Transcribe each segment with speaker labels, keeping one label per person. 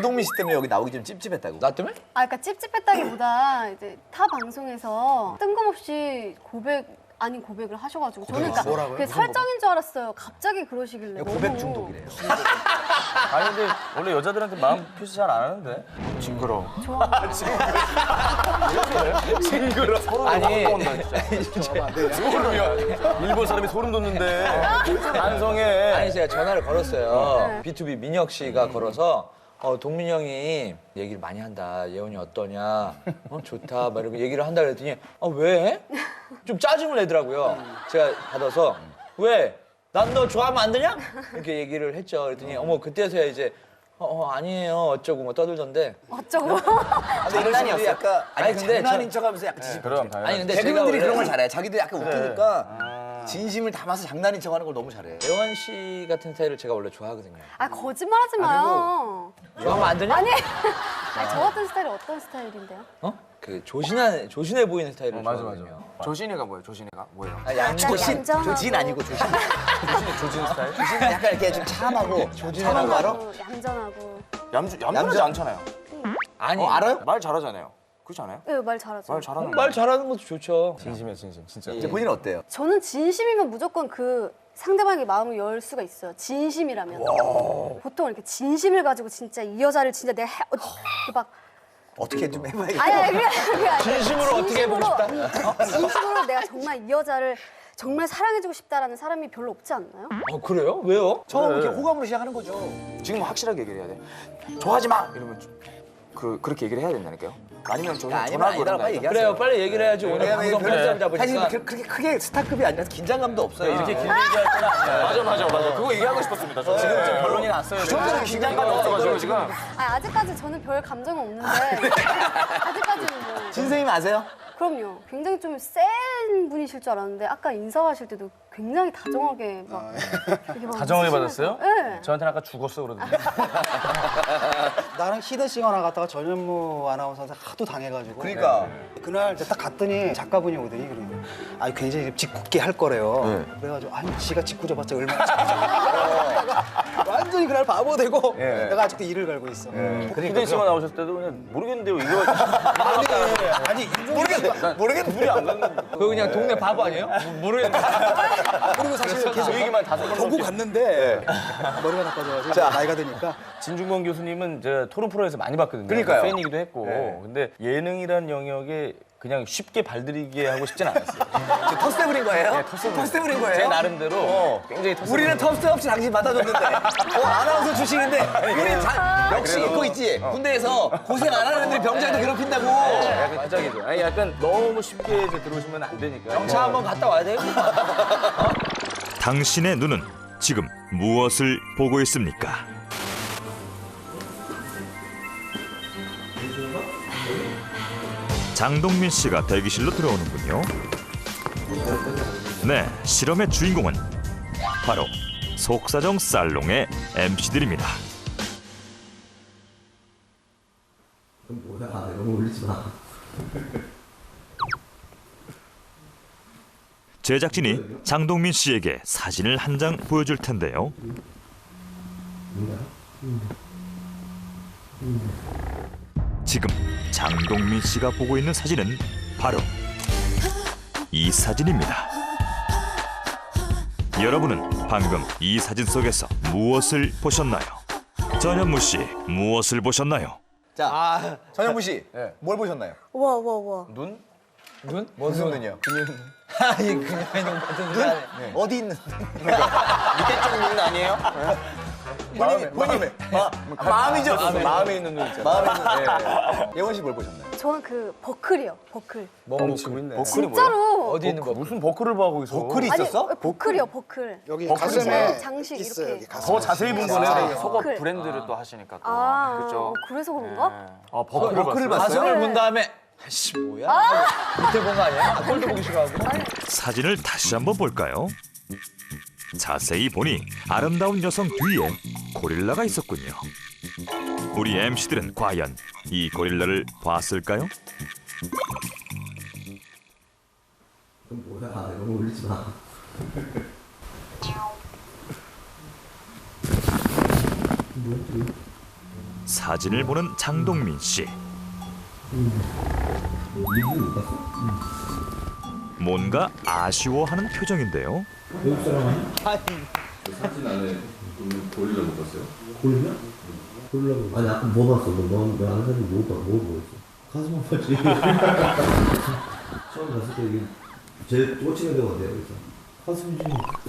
Speaker 1: 장동민 씨 때문에 여기 나오기 좀 찝찝했다고.
Speaker 2: 나 때문에?
Speaker 3: 그러니까 찝찝했다기보다 이제 타 방송에서 뜬금없이 고백 아닌 고백을 하셔가지고 저는 그러니까 그게 설정인 줄 알았어요. 갑자기 그러시길래
Speaker 1: 고백
Speaker 3: 너무
Speaker 1: 중독이래요.
Speaker 4: 아니 근데 원래 여자들한테 마음 표시 잘 안 하는데. 징그러워. 징그러워.
Speaker 2: 아니
Speaker 4: 소름이야. 일본 사람이 소름 돋는데. 반성해.
Speaker 2: 아니 제가 전화를 걸었어요.
Speaker 3: 네.
Speaker 2: B2B 민혁 씨가 걸어서 동민 형이 얘기를 많이 한다. 예원이 어떠냐? 좋다. 막 이렇게 얘기를 한다 그랬더니 왜? 좀 짜증을 내더라고요. 제가 받아서 왜? 난 너 좋아하면 안 되냐? 이렇게 얘기를 했죠. 그랬더니 그때서야 이제 아니에요 어쩌고 뭐 떠들던데.
Speaker 3: 어쩌고.
Speaker 1: 장난이었어. 약간
Speaker 2: 아니, 근데
Speaker 1: 장난인 척하면서 약간 지지.
Speaker 4: 그럼 당연히.
Speaker 2: 아니 근데
Speaker 1: 개그맨들이
Speaker 2: 제가
Speaker 1: 그런 걸
Speaker 2: 원래
Speaker 1: 잘해. 자기들 약간 웃기니까 진심을 담아서 장난인 척하는 걸 너무 잘해.
Speaker 2: 예원 씨 같은 스타일을 제가 원래 좋아하거든요.
Speaker 3: 아 거짓말하지 마요.
Speaker 2: 좋아하면 안 되냐?
Speaker 3: 아니 저 같은 스타일이 어떤 스타일인데요?
Speaker 2: 그 조신해 보이는 스타일을
Speaker 4: 맞아,
Speaker 2: 좋아하거든요.
Speaker 5: 조신이가 뭐예요? 조신이가 뭐예요?
Speaker 1: 조신,
Speaker 3: 얌전하고.
Speaker 1: 조진 아니고 조신.
Speaker 4: 조진 스타일?
Speaker 1: 조신은 약간 이렇게 좀 참하고 조진하는 거 알아?
Speaker 3: 얌전하고.
Speaker 5: 얌전하지 않잖아요.
Speaker 2: 아니
Speaker 1: 알아요?
Speaker 5: 말 잘하잖아요. 그렇지 않아요?
Speaker 3: 네, 말 잘하죠.
Speaker 5: 말 잘하는
Speaker 2: 말 잘하는 것도 좋죠.
Speaker 4: 진심이야 진심 진짜.
Speaker 1: 이제 본인은 어때요?
Speaker 3: 저는 진심이면 무조건 그 상대방의 마음을 열 수가 있어요. 진심이라면. 보통 이렇게 진심을 가지고 진짜 이 여자를 진짜 내가 막
Speaker 1: 어떻게 좀 해봐야겠다.
Speaker 3: 아니 그게 아니라
Speaker 2: 진심으로 어떻게 해보고 싶다?
Speaker 3: 진심으로 내가 정말 이 여자를 정말 사랑해주고 싶다라는 사람이 별로 없지 않나요?
Speaker 2: 그래요? 왜요?
Speaker 1: 처음 이렇게 호감으로 시작하는 거죠.
Speaker 5: 지금 확실하게 얘기를 해야 돼. 좋아하지 마! 이러면 그렇게 얘기를 해야 된다니까요. 아니면 저
Speaker 1: 아니면
Speaker 5: 전화
Speaker 1: 아니다라고 빨리 얘기하세요.
Speaker 2: 그래요. 빨리 얘기를 해야지. 오늘
Speaker 1: 왜냐면
Speaker 2: 방송 편집장
Speaker 1: 사실
Speaker 2: 잡으니까.
Speaker 1: 그렇게 크게 스타급이 아니라서 긴장감도 없어요.
Speaker 4: 이렇게 길게 얘기할 때는 아니야.
Speaker 5: 맞아. 그거 얘기하고 싶었습니다. 저 지금 좀
Speaker 4: 결론이 났어요.
Speaker 1: 그 정도로 긴장감이
Speaker 5: 없어가지고 지금.
Speaker 3: 아직까지 저는 별 감정은 없는데 아직까지는 뭐
Speaker 1: 진생님 아세요?
Speaker 3: 그럼요. 굉장히 좀 센 분이실 줄 알았는데 아까 인사하실 때도 굉장히 다정하게 막 이렇게 막
Speaker 4: 다정하게
Speaker 3: 웃으시면서-
Speaker 4: 받았어요?
Speaker 3: 네.
Speaker 4: 저한테는 아까 죽었어 그러던데.
Speaker 6: 나랑 히든싱어 나갔다가 전현무 아나운서한테 하도 당해가지고
Speaker 1: 그러니까.
Speaker 6: 그날 이제 딱 갔더니 작가분이 오더니 그러더니 굉장히 짓궂게 할 거래요. 그래가지고 지가 짓궂어봤자 얼마나 짓궂어. 완전히 그날 바보 되고 내가 아직도 이를 갈고 있어.
Speaker 4: 히든 씨가 나오셨을 때도 그냥 모르겠는데요. 이거
Speaker 1: 아니 모르겠는데
Speaker 4: 물이 안 갔는데.
Speaker 2: 그거 그냥 동네 바보 아니에요? 모르겠네.
Speaker 6: 그리고 사실 계속
Speaker 4: 그 얘기만 다섯 번
Speaker 6: 보고
Speaker 4: 넘게.
Speaker 6: 갔는데 머리가 나빠져가지고 나이가 드니까
Speaker 4: 진중권 교수님은 제가 토론 프로에서 많이 봤거든요.
Speaker 1: 그러니까요.
Speaker 4: 팬이기도 했고. 근데 예능이란 영역에 그냥 쉽게 발들이게 하고 싶진 않았어요.
Speaker 1: 텃세 부린 거예요?
Speaker 4: 네,
Speaker 1: 텃세 부린 거예요?
Speaker 4: 제 나름대로 굉장히 텃세
Speaker 1: 우리는 텃세 없이 당신 받아줬는데 아나운서 출신인데 우리 역시
Speaker 4: 그래도-
Speaker 1: 그거 있지 군대에서 고생 안 하는 애들이 병장도 괴롭힌다고
Speaker 4: 약간 기적이죠. 아니 약간 너무 쉽게 이제 들어오시면 안 되니까.
Speaker 2: 영차 한번 갔다 와야 돼요?
Speaker 7: 당신의 눈은 지금 무엇을 보고 있습니까? 장동민 씨가 대기실로 들어오는군요. 네, 실험의 주인공은 바로 속사정 살롱의 MC들입니다. 제작진이 장동민 씨에게 사진을 한 장 보여줄 텐데요. 지금 장동민 씨가 보고 있는 사진은 바로 이 사진입니다. 여러분은 방금 이 사진 속에서 무엇을 보셨나요? 전현무 씨, 무엇을 보셨나요?
Speaker 1: 자 전현무 씨 뭘 보셨나요?
Speaker 3: 와.
Speaker 4: 눈?
Speaker 2: 눈?
Speaker 1: 무슨 눈이요?
Speaker 2: 이 그냥 같은 소리 하네.
Speaker 1: 어디 있는
Speaker 5: 밑에 쪽 눈 아니에요?
Speaker 1: 본인 마음이죠
Speaker 4: 마음에 있는 눈 있잖아.
Speaker 1: 마음에 있는 예원 씨 뭘 보셨나요?
Speaker 3: 저는 그 버클이요. 버클.
Speaker 4: 멈추고 있네.
Speaker 3: 진짜로.
Speaker 2: 어디 있는 거?
Speaker 4: 무슨 버클을 봐 거기서.
Speaker 1: 버클이
Speaker 3: 아니
Speaker 1: 있었어?
Speaker 3: 버클이요. 버클.
Speaker 6: 여기
Speaker 4: 버클이
Speaker 6: 가슴에
Speaker 3: 장식
Speaker 6: 있어요.
Speaker 3: 이렇게.
Speaker 6: 여기 가슴에.
Speaker 4: 더 자세히 본 거네.
Speaker 3: 버클.
Speaker 5: 속옷 브랜드를 또 하시니까 또.
Speaker 3: 아
Speaker 5: 그렇죠.
Speaker 3: 그래서 그런가?
Speaker 4: 아 버클을
Speaker 1: 버클을
Speaker 4: 봤어요?
Speaker 1: 봤어요?
Speaker 2: 가슴을 본 다음에 아씨 뭐야? 밑에 본 거 아니야? 꼴도 보기 싫어하고.
Speaker 7: 사진을 다시 한번 볼까요? 자세히 보니 아름다운 여성 뒤에 고릴라가 있었군요. 우리 MC들은 과연 이 고릴라를 봤을까요? 사진을 보는 장동민 씨. 뭔가 아쉬워하는 표정인데요.
Speaker 8: 아니 아까 뭐 봤어? 너 아는 사람이 뭐 보였어? 가슴만 봤지. 처음 봤을 때 이게 제일 꽂히는 데가 어디야? 그래서 가슴이지.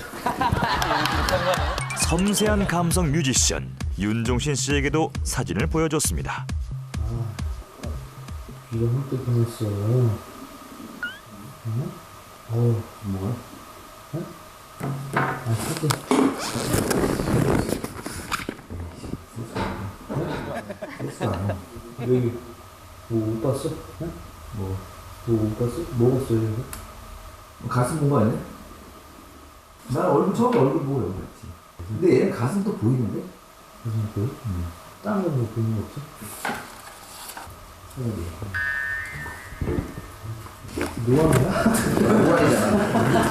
Speaker 7: 섬세한 감성 뮤지션 윤종신 씨에게도 사진을 보여줬습니다.
Speaker 8: 귀가 흠뻑 보였어. 응? 뭐야? 응? 아, 사진. 여기 뭐 못 봤어? 응? 못 봤어? 뭐 봤어 여기? 가슴 본 거 아니야? 난 얼굴 처음에 얼굴 보고 여기 갔지. 근데 얘는 가슴도 보이는데? 가슴 보여? 응. 다른 거뭐 보이는 거 없어? 노안이야? 노안이잖아.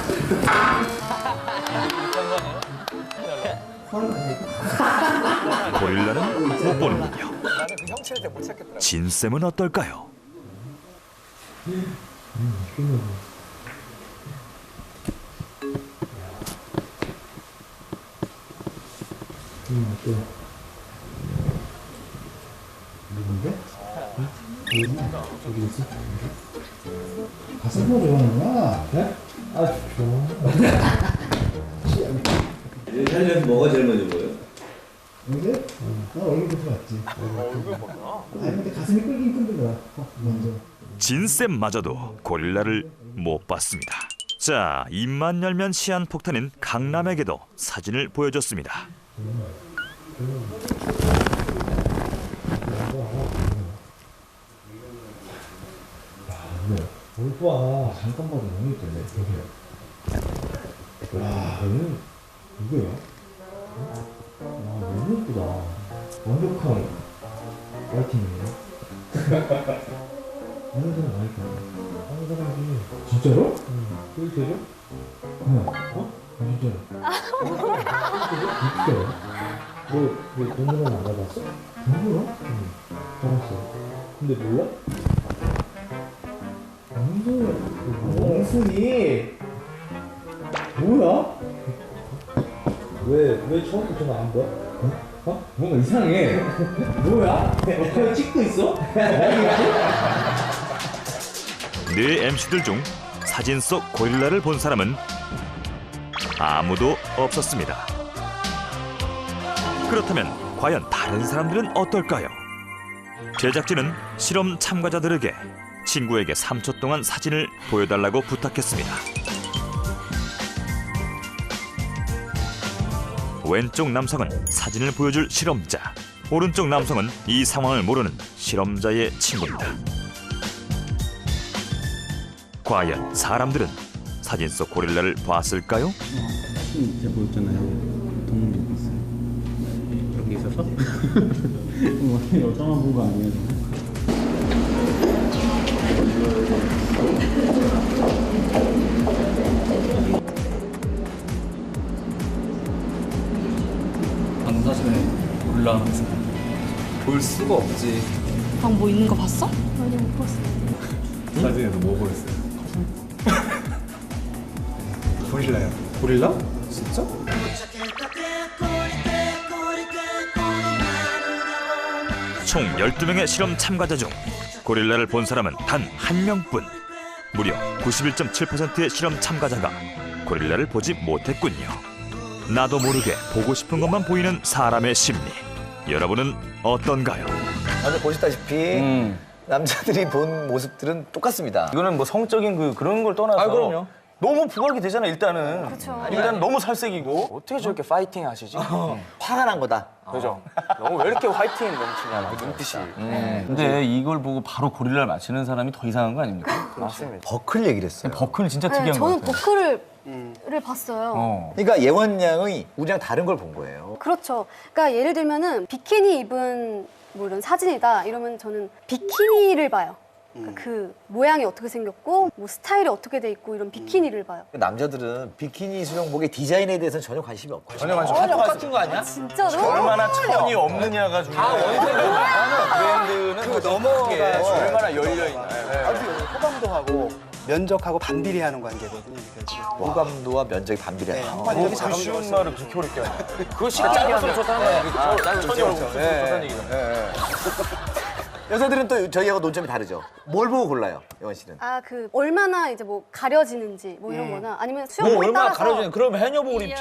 Speaker 7: 고릴라는 못 보는군요. 진쌤은 어떨까요?
Speaker 8: 누군데? 저기 있어? 가슴 보고 좋아하는구나. 네? 아, 좋아. 살려서 뭐가 제일 먼저 보여? 근데? 나 얼굴부터 봤지. 얼굴 보나? 아니, 근데 가슴이 끌긴 끌더라. 먼저.
Speaker 7: 진쌤마저도 고릴라를 못 봤습니다. 자, 입만 열면 시한폭탄인 강남에게도 사진을 보여줬습니다.
Speaker 8: 뭘 봐. 잠깐 봐도 너무 예쁜데. 여기야. 와, 얘는 누구야? 와, 너무 예쁘다. 완벽한 라이팅이네. 어느 사람 라이팅? 어느 사람이. 진짜로? 응. 그게 되죠? 응. 어? 진짜로. 진짜로? 너 동물원 안 가봤어? 동물원? 응. 가봤어. 근데 몰라? 멍순이 뭐야? 왜 처음부터 전화 안 봐? 어? 뭔가 이상해. 뭐야? 옆에 찍고 있어?
Speaker 7: 네 MC들 중 사진 속 고릴라를 본 사람은 아무도 없었습니다. 그렇다면 과연 다른 사람들은 어떨까요? 제작진은 실험 참가자들에게 친구에게 3초 동안 사진을 보여달라고 부탁했습니다. 왼쪽 남성은 사진을 보여줄 실험자, 오른쪽 남성은 이 상황을 모르는 실험자의 친구입니다. 과연 사람들은 사진 속 고릴라를 봤을까요?
Speaker 9: 제가 보였잖아요. 동물이 있어요. 여기 있어서? 여자만 본 거 아니에요?
Speaker 10: 방금 사진에 고릴라 모습 볼 수가 없지.
Speaker 11: 방 뭐 있는 거 봤어?
Speaker 3: 아니 못 봤어.
Speaker 10: 사진에서 뭐 보였어요?
Speaker 6: 고릴라요. 고릴라? 진짜?
Speaker 7: 총 12명의 실험 참가자 중 고릴라를 본 사람은 단 한 명뿐. 무려 91.7%의 실험 참가자가 고릴라를 보지 못했군요. 나도 모르게 보고 싶은 것만 보이는 사람의 심리. 여러분은 어떤가요?
Speaker 1: 다들 보시다시피 남자들이 본 모습들은 똑같습니다.
Speaker 4: 이거는 뭐 성적인 그런 걸 떠나서
Speaker 1: 아, 그럼요.
Speaker 4: 너무 부각이 되잖아 일단은.
Speaker 3: 그쵸.
Speaker 4: 일단 너무 살색이고.
Speaker 5: 어떻게 저렇게 파이팅 하시지?
Speaker 1: 화가 난 거다.
Speaker 5: 그죠? 너무 왜 이렇게 화이팅 넘치냐, 그 눈빛이.
Speaker 4: 근데 이걸 보고 바로 고릴라를 맞히는 사람이 더 이상한 거 아닙니까?
Speaker 5: 맞습니다.
Speaker 1: 버클 얘기를 했어요.
Speaker 4: 버클은 진짜
Speaker 3: 네,
Speaker 4: 특이한 거
Speaker 3: 저는
Speaker 4: 같아요.
Speaker 3: 버클을 봤어요.
Speaker 1: 그러니까 예원 양이 우리랑 다른 걸 본 거예요.
Speaker 3: 그렇죠. 그러니까 예를 들면은 비키니 입은 뭐 이런 사진이다 이러면 저는 비키니를 봐요. 그 모양이 어떻게 생겼고 뭐 스타일이 어떻게 돼 있고 이런 비키니를 봐요.
Speaker 1: 남자들은 비키니 수영복의 디자인에 대해서는 전혀 관심이 없고.
Speaker 4: 전혀 관심
Speaker 2: 똑같은 거 아니야?
Speaker 3: 진짜로?
Speaker 4: 얼마나 천이 없느냐가 중요해요. 브랜드는 뭐 넘어가서 얼마나 열려있나.
Speaker 6: 아주 호감도 하고 면적하고 반비례하는 관계거든요.
Speaker 1: 호감도와 면적이 반비례하다.
Speaker 6: 완전히
Speaker 4: 그
Speaker 6: 작은
Speaker 4: 쉬운 말을 그렇게 어렵게 하냐.
Speaker 5: 그거 쉽게 짧을수록 좋다는 거야.
Speaker 4: 천이 얼굴 좋다는 얘기잖아.
Speaker 1: 여자들은 또 저희하고 논점이 다르죠. 뭘 보고 골라요, 영원 씨는?
Speaker 3: 아 그 얼마나 이제 뭐 가려지는지 뭐 이런 거나 아니면
Speaker 2: 뭐
Speaker 3: 수영복에
Speaker 2: 얼마나
Speaker 3: 따라서
Speaker 2: 가려지는 그럼 해녀복을 입지.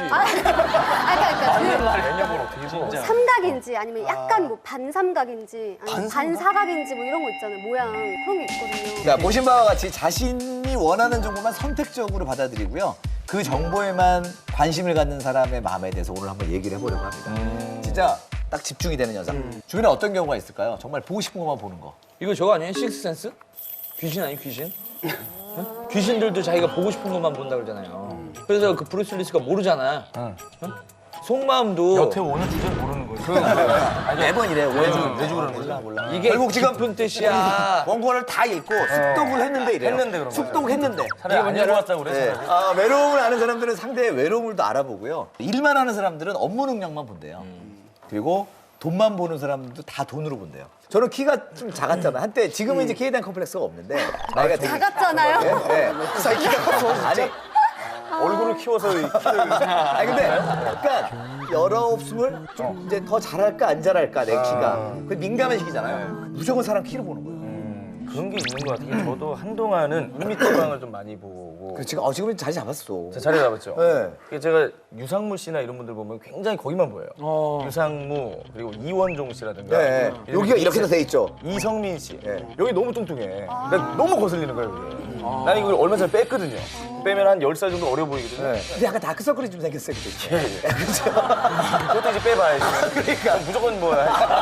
Speaker 3: 그러니까 삼각인지 아니면 약간 뭐 반삼각인지 아니면 반사각인지 뭐 이런 거 있잖아요. 모양 그런 게 있거든요.
Speaker 1: 자, 보신 바와 같이 자신이 원하는 정보만 선택적으로 받아들이고요. 그 정보에만 관심을 갖는 사람의 마음에 대해서 오늘 한번 얘기를 해보려고 합니다. 진짜 딱 집중이 되는 여자. 주변에 어떤 경우가 있을까요? 정말 보고 싶은 것만 보는 거.
Speaker 2: 이거 저거 아니에요? 식스센스? 귀신 아니 귀신? 응? 귀신들도 자기가 보고 싶은 것만 본다 그러잖아요. 그래서 그 브루스 윌리스가 모르잖아. 응? 속마음도
Speaker 4: 여태 오늘 주제 모르는 거지.
Speaker 1: 매번 이래요.
Speaker 4: 매주 그러는 거지.
Speaker 1: 몰라.
Speaker 2: 이게
Speaker 1: 결국 지금
Speaker 2: 깊은 뜻이야.
Speaker 1: 원고를 다 읽고 숙독을 했는데 이래요.
Speaker 4: 했는데 그런 거야.
Speaker 1: 숙독했는데.
Speaker 4: 차라리 안 읽어왔다고 그래.
Speaker 1: 네.
Speaker 4: 차라리.
Speaker 1: 아, 외로움을 아는 사람들은 상대의 외로움을 또 알아보고요. 일만 하는 사람들은 업무 능력만 본대요. 그리고 돈만 보는 사람들도 다 돈으로 본대요. 저는 키가 좀 작았잖아요. 한때 지금은 이제 키에 대한 컴플렉스가 없는데 나이가 되게
Speaker 3: 작았잖아요.
Speaker 1: 네. 키가 커서 아니
Speaker 4: 얼굴을 키워서
Speaker 1: 아니 근데 약간 19, 20 좀 이제 더 잘할까 안 잘할까 내 키가 그 민감한 시기잖아요. 무조건 사람 키로 보는 거예요.
Speaker 4: 그런 게 있는 것 같아요. 저도 한동안은 2m 방을 좀 많이 보고.
Speaker 1: 그 지금은 자리 잡았어.
Speaker 4: 제 자리 잡았죠.
Speaker 1: 네.
Speaker 4: 제가 유상무 씨나 이런 분들 보면 굉장히 거기만 보여요. 유상무 그리고 이원종 씨라든가.
Speaker 1: 네. 여기가 이렇게 돼 있죠.
Speaker 4: 이성민 씨.
Speaker 1: 네.
Speaker 4: 여기 너무 뚱뚱해. 나 너무 거슬리는 거예요, 그게. 난 이걸 얼마 전에 뺐거든요. 빼면 한 10살 정도 어려 보이거든요.
Speaker 1: 네. 근데 약간 다크서클이 좀 생겼어요. 그때. 그렇죠.
Speaker 4: 그것도 이제 빼봐야지.
Speaker 1: 그러니까.
Speaker 4: 무조건 뭐.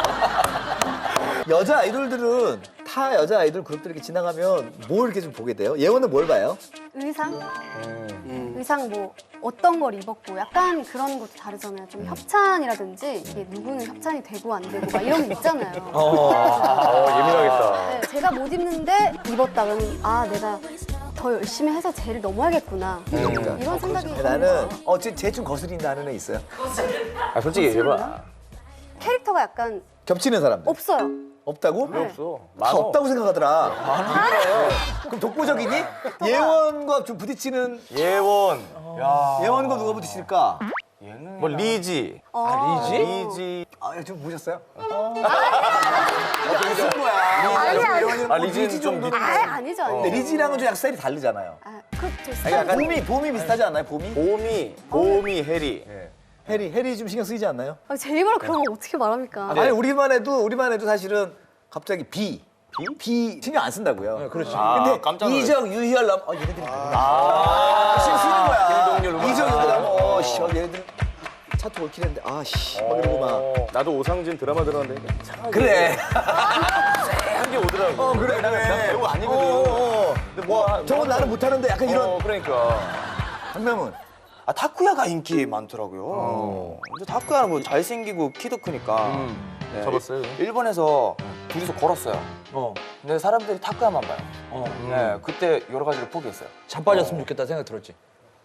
Speaker 1: 여자 아이돌들은 타 여자 아이돌 그룹들 이렇게 지나가면 뭘 이렇게 좀 보게 돼요? 예원은 뭘 봐요?
Speaker 3: 의상? 의상 뭐 어떤 걸 입었고 약간 그런 것도 다르잖아요. 좀 협찬이라든지 이게 누구는 협찬이 되고 안 되고 막 이런 게 있잖아요.
Speaker 4: 예민하겠다.
Speaker 3: 네, 제가 못 입는데 입었다 그러면 아 내가 더 열심히 해서 쟤를 넘어야겠구나 이런 생각이
Speaker 1: 나는 쟤 좀 거슬린다는 애 있어요?
Speaker 4: 아, 솔직히 얘기해봐.
Speaker 3: 캐릭터가 약간
Speaker 1: 겹치는 사람들
Speaker 3: 없어요.
Speaker 1: 없다고?
Speaker 3: 네.
Speaker 4: 없어.
Speaker 1: 다 없다고 생각하더라. 그럼 독보적이니? 예원과 좀 부딪히는
Speaker 4: 예원.
Speaker 1: 예원과 누가 부딪힐까?
Speaker 4: 뭐 리지. 리지.
Speaker 1: 좀 보셨어요?
Speaker 3: 아니
Speaker 4: 리지는 좀 밑.
Speaker 3: 아니죠.
Speaker 1: 근데 리지랑은 좀 약간 스타일이 다르잖아요.
Speaker 3: 그렇죠. 스타일.
Speaker 1: 봄이 비슷하지 않나요? 봄이?
Speaker 4: 봄이 해리.
Speaker 1: 해리 좀 신경 쓰이지 않나요?
Speaker 3: 제 입으로 그런 거 어떻게 말합니까?
Speaker 1: 아니 우리만 해도 사실은 갑자기 비 신경 안 쓴다고요.
Speaker 2: 네, 그렇지.
Speaker 1: 근데
Speaker 4: 깜짝 놀랐어.
Speaker 1: 이정, 유희열 얘네들이 신경 쓰이는 거야. 이정, 유희열 얘네들 차트 올킬 했는데 막 이러고 막.
Speaker 4: 나도 오상진 드라마 들어갔는데
Speaker 1: 그래.
Speaker 4: 쎄하게 오더라고.
Speaker 1: 그래.
Speaker 4: 난 배우 아니거든. 근데 뭐
Speaker 1: 저건 나는 못하는데 약간 이런.
Speaker 4: 그러니까.
Speaker 1: 한명은
Speaker 5: 타쿠야가 인기 많더라고요. 근데 타쿠야는 뭐 잘생기고 키도 크니까. 네,
Speaker 4: 접었어요.
Speaker 5: 일본에서 둘이서 걸었어요. 근데 사람들이 타쿠야만 봐요. 네, 그때 여러 가지를 포기했어요.
Speaker 2: 자빠졌으면 좋겠다 생각 들었지.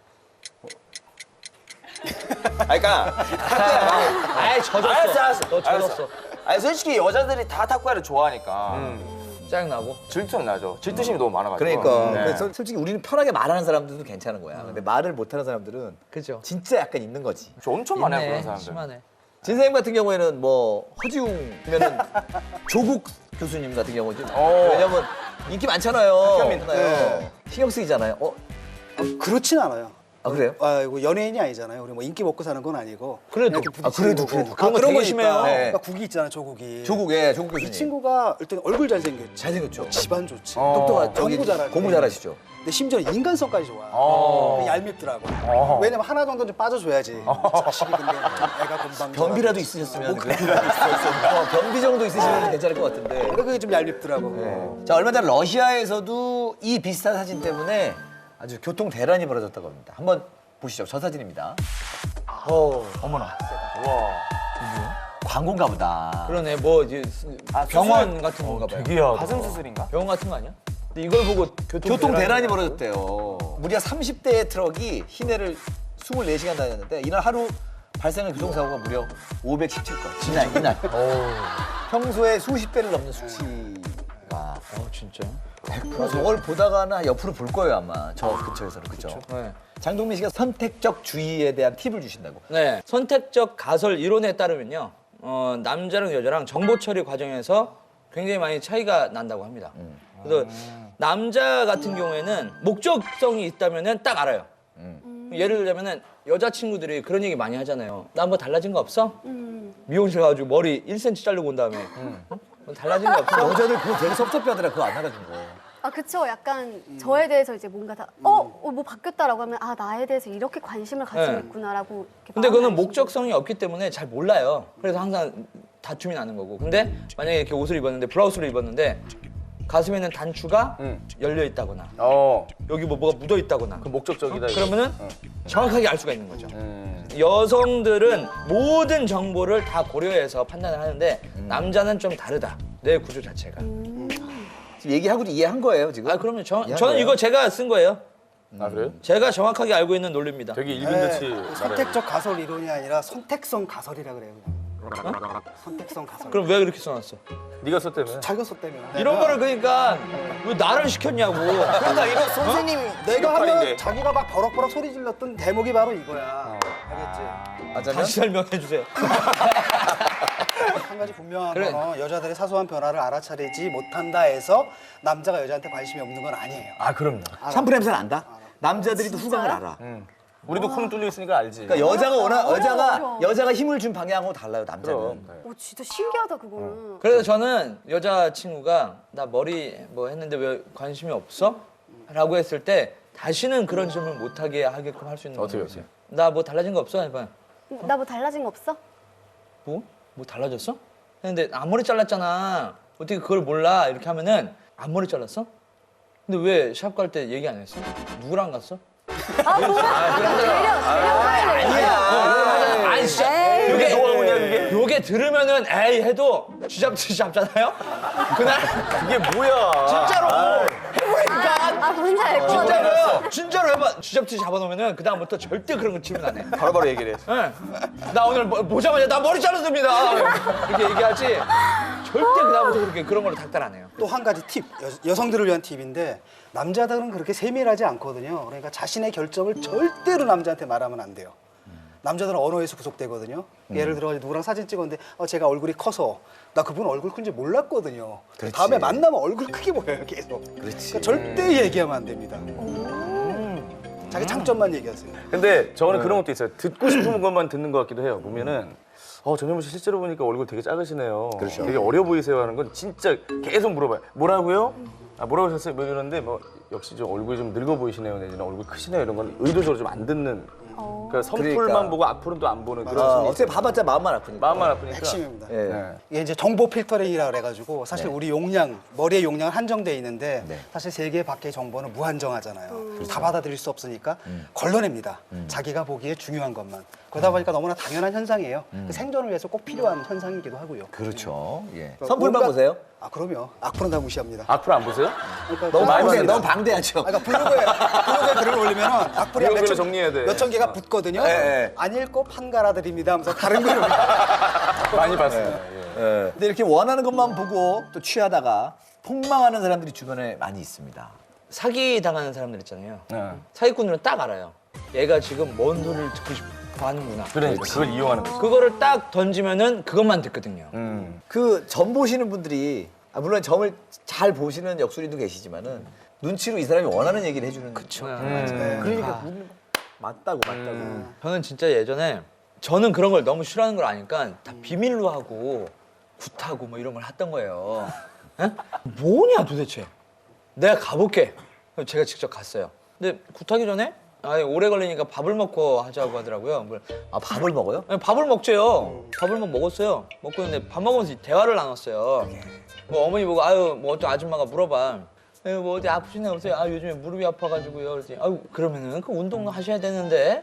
Speaker 5: 그러니까 타쿠야가
Speaker 2: 아이 젖었어.
Speaker 5: 알았어.
Speaker 2: 너 젖었어.
Speaker 5: 아니 솔직히 여자들이 다 타쿠야를 좋아하니까
Speaker 2: 짜증나고.
Speaker 5: 질투는 나죠. 질투심이 너무 많아가지고.
Speaker 1: 그러니까.
Speaker 5: 네.
Speaker 1: 그래서 솔직히 우리는 편하게 말하는 사람들도 괜찮은 거야. 근데 말을 못하는 사람들은
Speaker 2: 그죠.
Speaker 1: 진짜 약간 있는 거지.
Speaker 5: 저 엄청 많아요
Speaker 2: 있네,
Speaker 5: 그런 사람들.
Speaker 2: 심하네.
Speaker 1: 진사님 같은 경우에는 뭐 허지웅이면은 조국 교수님 같은 경우지. 왜냐면 인기 많잖아요.
Speaker 6: 네.
Speaker 1: 신경 쓰이잖아요.
Speaker 6: 그렇진 않아요.
Speaker 1: 아 그래요?
Speaker 6: 이거 연예인이 아니잖아요. 우리 뭐 인기 먹고 사는 건 아니고.
Speaker 2: 그래도.
Speaker 6: 그냥 부딪히는 거고.
Speaker 2: 그런 거 되게 심해요.
Speaker 1: 네.
Speaker 6: 그러니까 국이 있잖아, 조국이.
Speaker 1: 조국 교수님.
Speaker 6: 이 친구가 일단 얼굴 잘생겼죠.
Speaker 1: 잘생겼죠.
Speaker 6: 집안 좋지.
Speaker 1: 똑똑한
Speaker 6: 공부 잘하고.
Speaker 1: 공부 잘하시죠.
Speaker 6: 근데 심지어 인간성까지 좋아. 얄밉더라고. 왜냐면 하나 정도는 좀 빠져줘야지. 자식이 근데 애가 금방.
Speaker 1: 변비라도 있으셨으면. 변비 정도 있으시면 괜찮을 것 같은데.
Speaker 6: 그게 좀 얄밉더라고.
Speaker 1: 자 얼마 전 러시아에서도 이 비슷한 사진 때문에 아주 교통 대란이 벌어졌다고 합니다. 한번 보시죠. 저 사진입니다.
Speaker 4: 어머나. 와.
Speaker 1: 광고인가 보다.
Speaker 2: 그러네. 뭐 이제 병원 같은 건가 봐요.
Speaker 5: 가슴 수술인가?
Speaker 2: 병원 같은 거 아니야? 근데 이걸 보고
Speaker 1: 교통 대란이 벌어졌대요. 무려 30대의 트럭이 시내를 24시간 다녔는데 이날 하루 발생한 교통사고가 무려 517건. 이날. 평소에 수십 배를 넘는 수치가.
Speaker 2: 진짜?
Speaker 1: 그래서 저걸 보다가는 옆으로 볼 거예요 아마. 저 근처에서는. 그렇죠.
Speaker 2: 네.
Speaker 1: 장동민 씨가 선택적 주의에 대한 팁을 주신다고.
Speaker 2: 네. 선택적 가설 이론에 따르면요. 남자랑 여자랑 정보 처리 과정에서 굉장히 많이 차이가 난다고 합니다. 그래서 남자 같은 경우에는 목적성이 있다면은 딱 알아요. 예를 들자면은 여자친구들이 그런 얘기 많이 하잖아요. 나 뭐 달라진 거 없어? 미용실 가가지고 머리 1cm 자르고 온 다음에 뭐 달라진 거 없어?
Speaker 1: 여자들 그거 되게 섭섭해하더라. 그거 안 알아준 거.
Speaker 3: 아, 그쵸. 약간 저에 대해서 이제 뭔가 뭐 바뀌었다라고 하면 아, 나에 대해서 이렇게 관심을 가지고
Speaker 2: 네.
Speaker 3: 있구나라고. 이렇게
Speaker 2: 근데
Speaker 3: 마음을
Speaker 2: 그거는
Speaker 3: 알수
Speaker 2: 목적성이 없기 때문에 잘 몰라요. 그래서 항상 다툼이 나는 거고. 근데 만약에 이렇게 옷을 입었는데 블라우스를 입었는데 가슴에는 단추가 열려 있다거나 여기 뭐가 묻어 있다거나
Speaker 5: 그 목적적이다. 이거.
Speaker 2: 그러면은 정확하게 알 수가 있는 거죠. 여성들은 모든 정보를 다 고려해서 판단을 하는데 남자는 좀 다르다. 내 구조 자체가.
Speaker 1: 지금 얘기하고도 이해한 거예요 지금?
Speaker 2: 아 그럼요. 저는
Speaker 1: 거예요?
Speaker 2: 이거 제가 쓴 거예요.
Speaker 5: 아 그래요?
Speaker 2: 제가 정확하게 알고 있는 논리입니다.
Speaker 5: 되게 일빈듯이
Speaker 6: 네, 선택적 가설 이론이 아니라 선택성 가설이라 그래요. 그냥. 선택성 가설.
Speaker 2: 그럼 왜 그렇게 써놨어?
Speaker 5: 네가 썼다며.
Speaker 6: 자기가 썼다며.
Speaker 2: 이런 거를 그러니까 왜 나를 시켰냐고.
Speaker 6: 그러니까 이거 선생님 내가 하면
Speaker 5: 역할인데.
Speaker 6: 자기가 막 버럭버럭 소리 질렀던 대목이 바로 이거야. 알겠지?
Speaker 1: 맞아요?
Speaker 2: 다시 설명해 주세요.
Speaker 6: 한 가지 분명한
Speaker 2: 그래.
Speaker 6: 건 여자들의 사소한 변화를 알아차리지 못한다 해서 남자가 여자한테 관심이 없는 건 아니에요.
Speaker 5: 아 그럼요.
Speaker 1: 샴푸 냄새 난다? 남자들이 또 후각을 알아.
Speaker 5: 우리도 코는 뚫려 있으니까 알지.
Speaker 1: 그러니까 여자가
Speaker 3: 어려워.
Speaker 1: 여자가 힘을 준 방향하고 달라요 남자는.
Speaker 3: 오, 진짜 신기하다 그거는.
Speaker 2: 그래서 저는 여자친구가 나 머리 뭐 했는데 왜 관심이 없어? 라고 했을 때 다시는 그런 질문 못하게 하게끔 할 수 있는
Speaker 5: 어떻게
Speaker 2: 방법이 있어요. 나 뭐 달라진 거 없어? 해봐.
Speaker 3: 나 뭐 달라진 거 없어?
Speaker 2: 뭐? 뭐 달라졌어? 했는데 앞머리 잘랐잖아. 어떻게 그걸 몰라? 이렇게 하면은 앞머리 잘랐어? 근데 왜 샵 갈 때 얘기 안 했어? 누구랑 갔어?
Speaker 3: 아, 뭐야?
Speaker 2: 아니야. 아니 진짜 요게 들으면은 에이 해도 쥐잡듯이 잡잖아요. 그날
Speaker 5: 이게 뭐야?
Speaker 2: 진짜로 해보니까
Speaker 3: 아, 뭔지 알 것 같아.
Speaker 2: 진짜로 해봐. 쥐잡듯이 잡아놓으면은 그 다음부터 절대 그런 거 질문 안 해.
Speaker 5: 바로바로 얘기를 해.
Speaker 2: 네. 나 오늘 보자마자 나 머리 자르습니다. 이렇게 얘기하지. 절대 그 다음부터 그렇게 그런 걸로 닥달 안 해요.
Speaker 6: 또 한 가지 팁, 여성들을 위한 팁인데 남자들은 그렇게 세밀하지 않거든요. 그러니까 자신의 결정을 절대로 남자한테 말하면 안 돼요. 남자들은 언어에서 구속되거든요. 예를 들어 누구랑 사진 찍었는데 제가 얼굴이 커서 나 그분 얼굴 큰지 몰랐거든요.
Speaker 1: 그렇지.
Speaker 6: 다음에 만나면 얼굴 크게 보여요 계속.
Speaker 1: 그렇지.
Speaker 6: 그러니까 절대 얘기하면 안 됩니다. 자기 장점만 얘기하세요.
Speaker 4: 근데 저는 그런 것도 있어요. 듣고 싶은 것만 듣는 것 같기도 해요. 보면은 전현무 씨 실제로 보니까 얼굴 되게 작으시네요.
Speaker 1: 그렇죠.
Speaker 4: 되게 어려 보이세요 하는 건 진짜 계속 물어봐요. 뭐라고요? 뭐라고 하셨어요? 뭐 이러는데 역시 좀 얼굴이 좀 늙어 보이시네요. 내지는 얼굴 크시네요. 이런 건 의도적으로 좀 안 듣는. 그러니까 선풀만
Speaker 1: 그러니까.
Speaker 4: 보고 앞으로는 또 안 보는 그런 심리.
Speaker 1: 어차피 봐봤자 마음만 아프니까.
Speaker 4: 마음만 아프니까.
Speaker 6: 핵심입니다.
Speaker 1: 예.
Speaker 6: 이게 이제 정보 필터링이라 그래가지고 사실
Speaker 1: 네.
Speaker 6: 우리 용량, 머리의 용량은 한정돼 있는데
Speaker 1: 네.
Speaker 6: 사실 세계 밖의 정보는 무한정하잖아요. 다 받아들일 수 없으니까 걸러냅니다. 자기가 보기에 중요한 것만. 그러다 보니까 너무나 당연한 현상이에요. 그 생존을 위해서 꼭 필요한 현상이기도 하고요.
Speaker 1: 그렇죠. 예. 선풀만 보세요.
Speaker 6: 아 그럼요. 악플은 다 무시합니다.
Speaker 4: 앞으로 안 보세요?
Speaker 6: 그러니까
Speaker 1: 너무
Speaker 6: 많이
Speaker 1: 방대,
Speaker 6: 봅니다.
Speaker 1: 너무 방대하죠.
Speaker 6: 그러니까 블로그에 글을 올리면 악플이 한
Speaker 4: 블로그를 정리해야 돼.
Speaker 6: 몇천 개가 붙거든요.
Speaker 1: 네.
Speaker 6: 안 읽고 판가라드립니다 하면서 다른 글을 올려요.
Speaker 4: 많이 봤어요.
Speaker 1: 예. 근데 이렇게 원하는 것만 보고 또 취하다가 폭망하는 사람들이 주변에 많이 있습니다.
Speaker 2: 사기 당하는 사람들 있잖아요.
Speaker 4: 네.
Speaker 2: 사기꾼들은 딱 알아요. 얘가 지금 뭔 소리를 듣고 싶어 하는구나.
Speaker 4: 그러니까 그걸 이용하는 거죠.
Speaker 2: 그거를 딱 던지면은 그것만 듣거든요.
Speaker 1: 그 점 보시는 분들이 물론 점을 잘 보시는 역술인도 계시지만은 눈치로 이 사람이 원하는 얘기를 해주는. 그렇죠. 그러니까 맞다고.
Speaker 2: 저는 진짜 예전에 저는 그런 걸 너무 싫어하는 걸 아니까 다 비밀로 하고 굿하고 뭐 이런 걸 했던 거예요. 에? 뭐냐 도대체. 내가 가볼게. 그래서 제가 직접 갔어요. 근데 굿하기 전에 오래 걸리니까 밥을 먹고 하자고 하더라고요.
Speaker 1: 밥을 먹어요?
Speaker 2: 네, 밥을 먹죠요. 밥을 먹었어요. 먹고 있는데 밥 먹으면서 대화를 나눴어요. 뭐 어머니 보고 뭐 어떤 아줌마가 물어봐. 뭐 어디 아프시나 보세요. 요즘에 무릎이 아파가지고요. 그랬더니 그러면은 그 운동 하셔야 되는데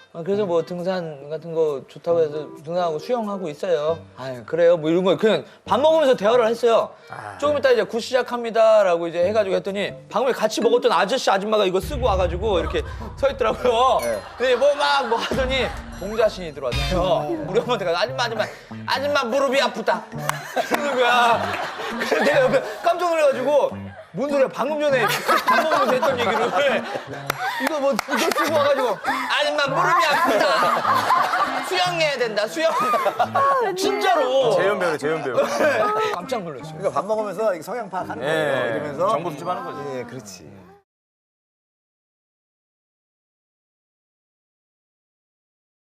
Speaker 2: 그래서 뭐 등산 같은 거 좋다고 해서 등산하고 수영하고 있어요. 아 그래요? 뭐 이런 거 그냥 밥 먹으면서 대화를 했어요. 조금 이따 이제 굿 시작합니다라고 이제 해가지고 했더니 방금에 같이 먹었던 아저씨 아줌마가 이거 쓰고 와가지고 이렇게 서 있더라고요. 근데 뭐 막 뭐 하더니 동자신이 들어왔어요. 우리 엄마한테 가서 아줌마 무릎이 아프다. 그러는 거야. 그래서 내가 옆에 깜짝 놀라가지고 뭔 소리야 방금 전에 밥 먹으면서 했던 얘기를 이거 뭐 이거 쓰고 와가지고 아줌마 무릎이 아프다. 수영해야 된다 수영. 진짜로.
Speaker 4: 재현 배우.
Speaker 2: 깜짝 놀랐어요.
Speaker 1: 그러니까 밥 먹으면서 성향 파악하는
Speaker 4: 예.
Speaker 1: 거예요. 이러면서
Speaker 4: 정보 수집하는 거지.
Speaker 1: 예, 그렇지.